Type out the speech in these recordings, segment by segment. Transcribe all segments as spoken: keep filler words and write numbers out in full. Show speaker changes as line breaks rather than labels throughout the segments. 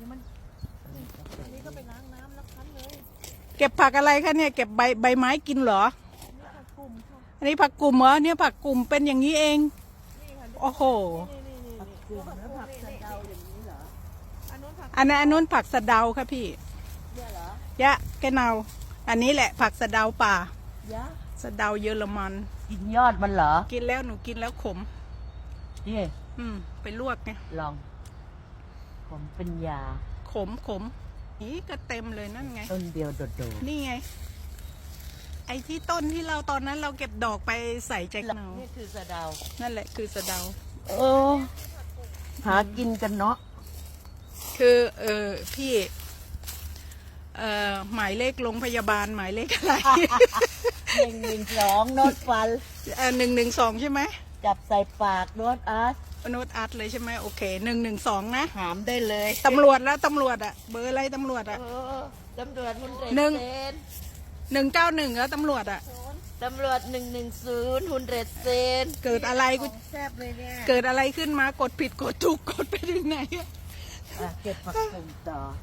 ดี๋ยวมันนี่อันนี้ก็ไปล้างน้ำแล้วคั้นเลย
เก็บผักอะไรคะเนี่ยเก็บใบใบไม้กินเหรอ
นี่ผักกลุ่มค่ะ
อันนี้ผักกลุ่มเหรอเนี่ยผักกลุ่มเป็นอย่างนี้เอง
นี่ค่ะ
โอ้โห
นี่นี่นี่
ผัก
นี่
กลุ่มแล้วผักสะเดาอย่างนี้เหรอ
อันนู้นผัก
อันนั้นอันนู้นผักสะเดาค่ะพี่
เนี่ยเหรอ
ยะแกเนาอันนี้แหละผักสะเดาป่าย
ะ
สะเดาเยอรมัน
กินยอดมันเหรอ
กินแล้วหนูกินแล้วขม
นี่
อืมไปลวกไง
ลองผมเป็นยา
ขมขมนี่ก็เต็มเลยนั่นไง
ต้นเดียวโดด
นี่ไง ไอ้ที่ต้นที่เราตอนนั้นเราเก็บดอกไปใส่แจก
ๆ
เนา
นี่คือสะเดา
นั่นแหละคือสะเดา
เออหากินกันเนาะ
คือเออพี่เอ่อหมายเลขโรงพยาบาลหมายเลขอะไร
หนึ่งหนึ่งสองโน้ตฟัน
เออหนึ่งหนึ่งสองใช่ไหม
จับใส่ปากโน้ตอาร์ต
โน้ตอาร์ตเลยใช่ไหมโอเคหนึ่งหนึ่งสองนะ
หามได้เลย
ตำรวจแล้วตำรวจอะเบอร์อะไรตำรวจอะ
เออตำรวจหุ่นเร
หนึ่ง
เซน
หนึ่งเก้าหนึ่งแล้วตำรวจอะ
ตำรวจหนึ่งหนึ่งศูนย์หุ่นเรเซน
เกิดอะไรกู
แซ่บเลยเนี่ย
เกิดอะไรขึ้นมากดผิดกดถูกกดไปถึงไหนอะ
อ่ะเก็บผักกลุ่มต่อ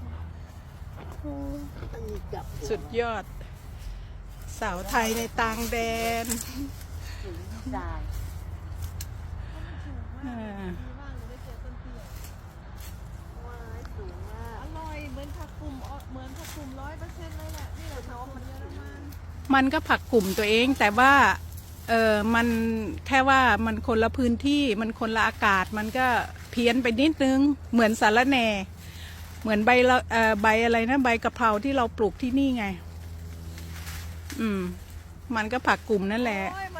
ต้องมีจับหัว
สุดยอด สาวไทยในต่างแดน
ถึงตาย
อ่า
ดีมากเลยได้เจอต้นเตี้ย
ว้ายสูงมาก
อร่อยเหมือนผักกลุ่มอ่ะเหมือนผักกลุ่มร้อยเปอร์เซ็นต์เลยแหละนี่แหละผักกลุ่มเยอรมัน
มันก็ผักกลุ่มตัวเองแต่ว่าเออมันแค่ว่ามันคนละพื้นที่มันคนละอากาศมันก็เพี้ยนไปนิดนึงเหมือนสาระแหน่เหมือนใบละเอ่อใบอะไรนะใบกะเพราที่เราปลูกที่นี่ไง อืม มันก็ผักกลุ่มนั่นแหละ
โอ้ยม